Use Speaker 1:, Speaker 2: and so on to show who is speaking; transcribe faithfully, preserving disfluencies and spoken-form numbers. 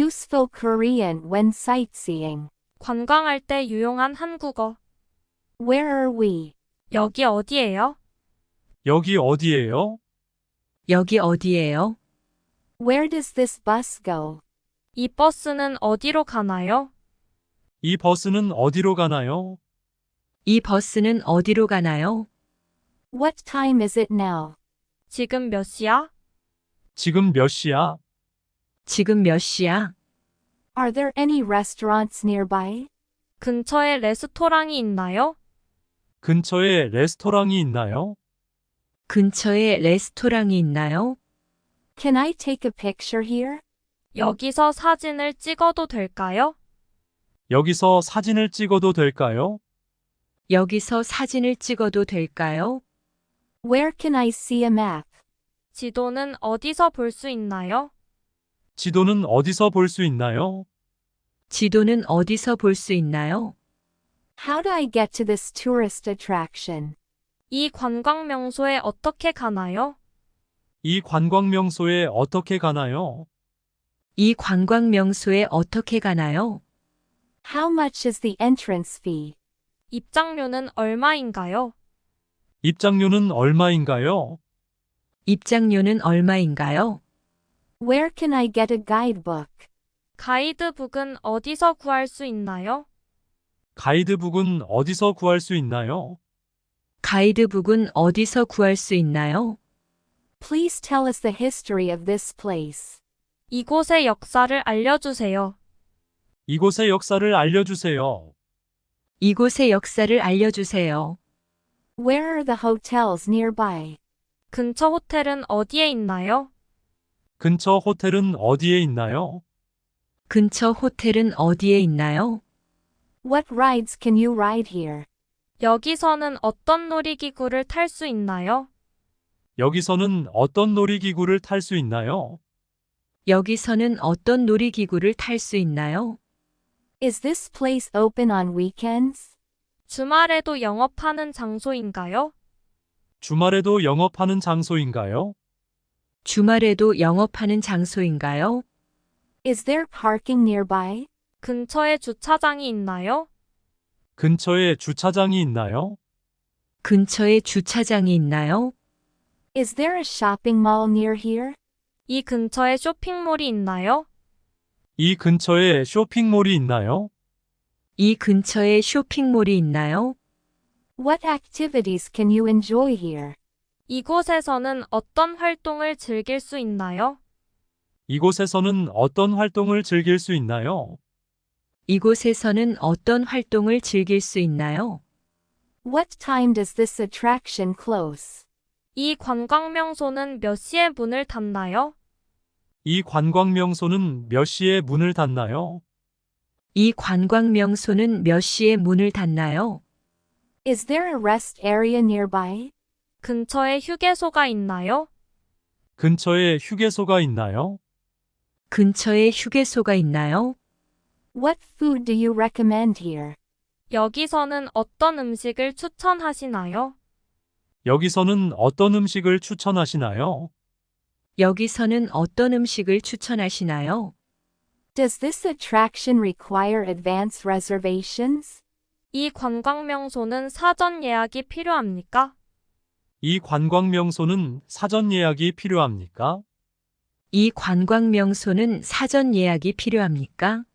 Speaker 1: Useful Korean when sightseeing.
Speaker 2: 관광할 때 유용한 한국어.
Speaker 1: Where are we?
Speaker 2: 여기 어디예요?
Speaker 3: 여기 어디예요?
Speaker 4: 여기 어디예요?
Speaker 1: Where does this bus go?
Speaker 2: 이 버스는 어디로 가나요?
Speaker 3: 이 버스는 어디로 가나요?
Speaker 4: 이 버스는 어디로 가나요?
Speaker 1: What time is it now?
Speaker 2: 지금 몇 시야?
Speaker 3: 지금 몇 시야?
Speaker 4: 지금 몇 시야?
Speaker 1: Are there any restaurants nearby?
Speaker 2: 근처에 레스토랑이 있나요?
Speaker 3: 근처에 레스토랑이 있나요?
Speaker 4: 근처에 레스토랑이 있나요?
Speaker 1: Can I take a picture here?
Speaker 2: 여기서 사진을 찍어도 될까요?
Speaker 3: 여기서 사진을 찍어도 될까요?
Speaker 4: 여기서 사진을 찍어도 될까요?
Speaker 1: Where can I see a map?
Speaker 2: 지도는 어디서 볼 수 있나요?
Speaker 3: 지도는 어디서 볼 수 있나요?
Speaker 4: 지도는 어디서 볼 수 있나요?
Speaker 1: How do I get to this tourist attraction?
Speaker 2: 이 관광 명소에 어떻게 가나요?
Speaker 3: 이 관광 명소에 어떻게 가나요?
Speaker 4: 이 관광 명소에 어떻게 가나요?
Speaker 1: How much is the entrance fee?
Speaker 2: 입장료는 얼마인가요?
Speaker 3: 입장료는 얼마인가요?
Speaker 4: 입장료는 얼마인가요?
Speaker 1: Where can I get a guidebook?
Speaker 2: 가이드북은 어디서 구할 수 있나요?
Speaker 3: 가이드북은 어디서 구할 수 있나요?
Speaker 4: 가이드북은 어디서 구할 수 있나요?
Speaker 1: Please tell us the history of this place.
Speaker 2: 이곳의 역사를 알려주세요.
Speaker 3: 이곳의 역사를 알려주세요.
Speaker 4: 이곳의 역사를 알려주세요.
Speaker 1: Where are the hotels nearby?
Speaker 2: 근처 호텔은 어디에 있나요?
Speaker 3: 근처 호텔은 어디에 있나요?
Speaker 4: 근처 호텔은 어디에 있나요?
Speaker 1: What rides can you ride here?
Speaker 2: 여기서는 어떤 놀이기구를 탈 수 있나요?
Speaker 3: 여기서는 어떤 놀이기구를 탈 수 있나요?
Speaker 4: 여기서는 어떤 놀이기구를 탈 수 있나요?
Speaker 1: Is this place open on weekends?
Speaker 2: 주말에도 영업하는 장소인가요?
Speaker 3: 주말에도 영업하는 장소인가요?
Speaker 4: 주말에도 영업하는 장소인가요?
Speaker 1: Is there parking nearby?
Speaker 2: 근처에 주차장이 있나요?
Speaker 3: 근처에 주차장이 있나요?
Speaker 4: 근처에 주차장이 있나요?
Speaker 1: Is there a shopping mall near here?
Speaker 2: 이 근처에 쇼핑몰이 있나요?
Speaker 3: 이 근처에 쇼핑몰이 있나요?
Speaker 4: 이 근처에 쇼핑몰이 있나요?
Speaker 1: What activities can you enjoy here?
Speaker 2: 이곳에서는 어떤 활동을 즐길 수 있나요?
Speaker 3: 이곳에서는 어떤 활동을 즐길 수 있나요?
Speaker 4: 이곳에서는 어떤 활동을 즐길 수 있나요?
Speaker 1: What time does this attraction close?
Speaker 2: 이 관광 명소는 몇 시에 문을 닫나요?
Speaker 3: 이 관광 명소는 몇 시에 문을 닫나요?
Speaker 4: 이 관광 명소는 몇 시에 문을 닫나요?
Speaker 1: Is there a rest area nearby?
Speaker 2: 근처에 휴게소가 있나요?
Speaker 3: 근처에 휴게소가 있나요?
Speaker 4: 근처에 휴게소가 있나요?
Speaker 1: What food do you recommend here?
Speaker 2: 여기서는 어떤 음식을 추천하시나요?
Speaker 3: 여기서는 어떤 음식을 추천하시나요?
Speaker 4: 여기서는 어떤 음식을 추천하시나요?
Speaker 1: Does this attraction require advance reservations?
Speaker 2: 이 관광 명소는 사전 예약이 필요합니까?
Speaker 3: 이 관광 명소는 사전 예약이 필요합니까?
Speaker 4: 이 관광 명소는 사전 예약이 필요합니까?